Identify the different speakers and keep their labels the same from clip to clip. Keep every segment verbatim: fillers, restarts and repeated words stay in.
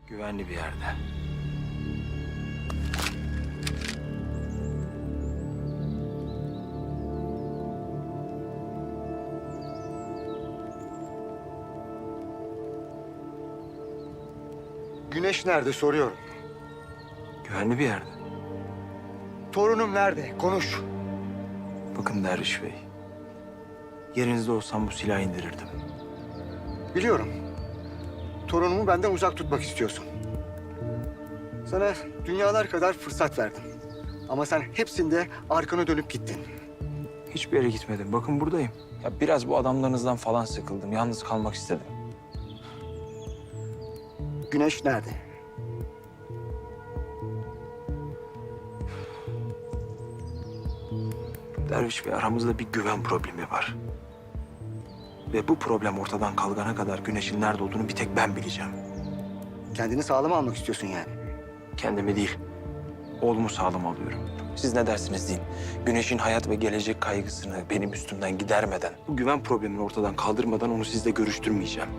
Speaker 1: Güvenli bir yerde.
Speaker 2: Güneş nerede soruyorum.
Speaker 1: Güvenli bir yerde.
Speaker 2: Torunum nerede? Konuş.
Speaker 1: Bakın Derviş Bey. Yerinizde olsam bu silahı indirirdim.
Speaker 2: Biliyorum. Torunumu benden uzak tutmak istiyorsun. Sana dünyalar kadar fırsat verdim. Ama sen hepsinde arkana dönüp gittin.
Speaker 1: Hiçbir yere gitmedim. Bakın buradayım. Ya biraz bu adamlarınızdan falan sıkıldım. Yalnız kalmak istedim.
Speaker 2: Güneş nerede?
Speaker 1: Derviş Bey, aramızda bir güven problemi var. Ve bu problem ortadan kalkana kadar Güneş'in nerede olduğunu bir tek ben bileceğim.
Speaker 2: Kendini sağlam almak istiyorsun yani.
Speaker 1: Kendimi değil, oğlumu sağlam alıyorum. Siz ne dersiniz deyin. Güneş'in hayat ve gelecek kaygısını benim üstümden gidermeden, bu güven problemini ortadan kaldırmadan onu sizle görüştürmeyeceğim.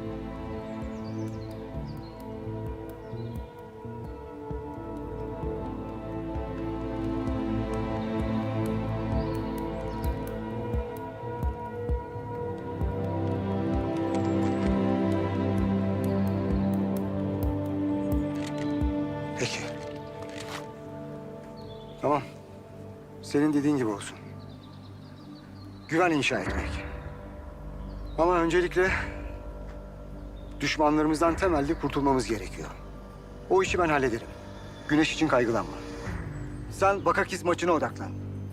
Speaker 2: Peki. Tamam. Senin dediğin gibi olsun. Güven inşa etmek. Ama öncelikle düşmanlarımızdan temelde kurtulmamız gerekiyor. O işi ben hallederim. Güneş için kaygılanma. Sen Bakakiz maçına odaklan.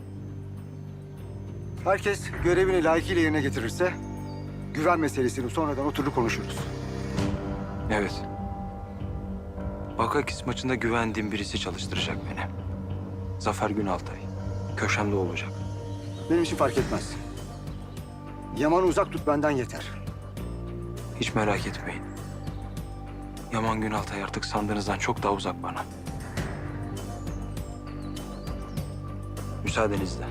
Speaker 2: Herkes görevini layıkıyla yerine getirirse güven meselesini sonradan oturup konuşuruz.
Speaker 1: Evet. Bakakis maçında güvendiğim birisi çalıştıracak beni. Zafer Günaltay. Köşemde olacak.
Speaker 2: Benim için fark etmez. Yaman'ı uzak tut benden yeter.
Speaker 1: Hiç merak etmeyin. Yaman Günaltay artık sandığınızdan çok daha uzak bana. Müsaadenizle.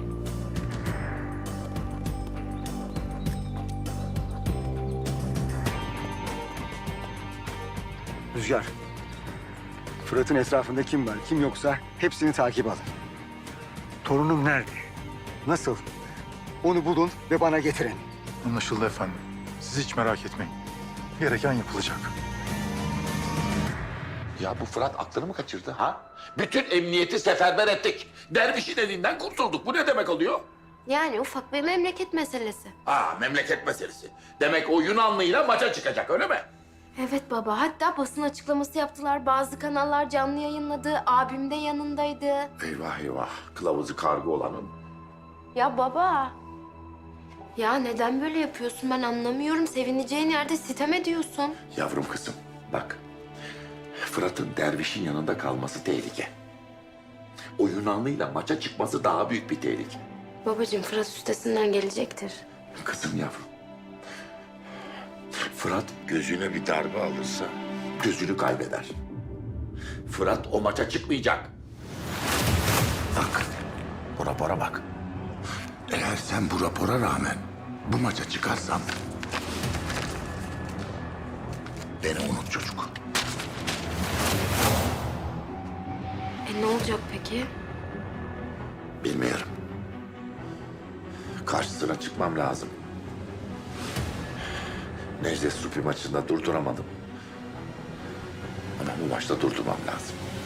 Speaker 2: Rüzgar. Fırat'ın etrafında kim var, kim yoksa hepsini takip alın. Torunum nerede? Nasıl? Onu bulun ve bana getirin.
Speaker 3: Anlaşıldı efendim. Siz hiç merak etmeyin. Gereken yapılacak.
Speaker 4: Ya bu Fırat aklını mı kaçırdı ha? Bütün emniyeti seferber ettik. Dervişin elinden kurtulduk. Bu ne demek oluyor?
Speaker 5: Yani ufak bir memleket meselesi.
Speaker 4: Ha, memleket meselesi. Demek o Yunanlıyla maça çıkacak, öyle mi?
Speaker 5: Evet baba, hatta basın açıklaması yaptılar. Bazı kanallar canlı yayınladı. Abim de yanındaydı.
Speaker 4: Eyvah eyvah. Kılavuzu kargı olanın.
Speaker 5: Ya baba. Ya neden böyle yapıyorsun ben anlamıyorum. Sevineceğin yerde sitem ediyorsun.
Speaker 4: Yavrum kızım, bak. Fırat'ın dervişin yanında kalması tehlike. O Yunanlıyla maça çıkması daha büyük bir tehlike.
Speaker 5: Babacığım Fırat üstesinden gelecektir.
Speaker 4: Kızım yavrum. Fırat gözüne bir darbe alırsa gözünü kaybeder. Fırat o maça çıkmayacak. Bak, bu rapora bak. Eğer sen bu rapora rağmen bu maça çıkarsan beni unut çocuk.
Speaker 5: E ne olacak peki?
Speaker 4: Bilmiyorum. Karşısına çıkmam lazım. Necdet Supi maçında durduramadım. Ama bu maçta durdurmam lazım.